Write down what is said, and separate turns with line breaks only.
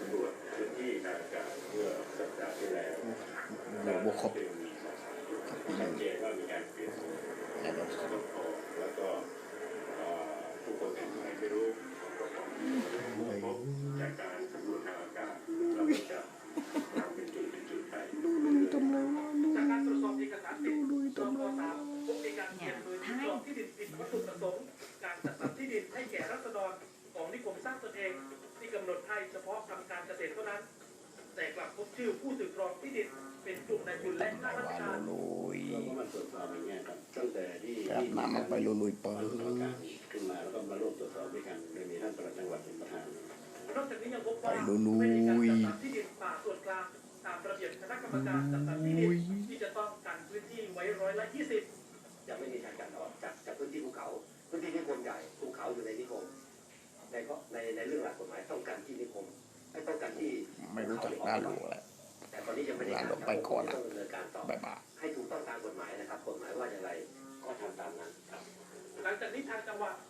ำรวจพื้นที่ทางการเมื่อสัปดาห์ที่แล้ว
บวกครบ
ชัดเจนว่ามีการเปลี่ยนแล้วก็ผู้คนเป็นใครไม่รู้พบจากการสำรวจทางอากาศเราจะทำเป็นจุดไป
ดูทำไรวะ
จากการตรวจสอบเอกสารสิทธิ์สค.3 พบมีการเขียนโดยครองที่ดินผิดวัตถุประสงค์การจัดสรรที่ดินให้แก่ราษฎรของนิคมสร้างตนเองที่กำหนดให้เฉพาะทำการเกษตรเท่านั้นแต่กลับพบชื่อผู้ถือครองที่ดินเป็นกลุ่มนายทุนและข้าราชการ
เราก็มาตรวจสอบอย่างเงี้ยครับตั้งแต่ที่
น้ำมันไปลุยเปิด
ขึ้นมาแล้วก็มาร่วมตรวจสอบด้วยกันโดยมีท่านปลัดจังหวัดเป็นประธาน
นอกจากนี้ยังพบว่าไม่มีการจัดสรรที่ดินป่าส่วนกลางตามระเบียบคณะกรรมการจัดสรรที่ดินที่จะต้องกันพื้นที่ไว้20%
จะไม่มีการออกจากพื้นที่ภูเขาพื้นที่นิคมใหญ่ภูเขาอยู่ในนิคมในเรื่องหลักกฎหมายต้องการที่นิคมไม่ต้องการที่
ไม่รู้จักด้านหลวงแหละ
แต่ตอนนี้ยังไม่ได้
ด้านหลวงไปก่อนนะ
ต้องดำเนินการต่อให้ถูกต้องตามกฎหมายนะครับกฎหมายว่าอย่างไรก็ทำตามนั้นครับ
หลังจากนี้ทางจังหวัด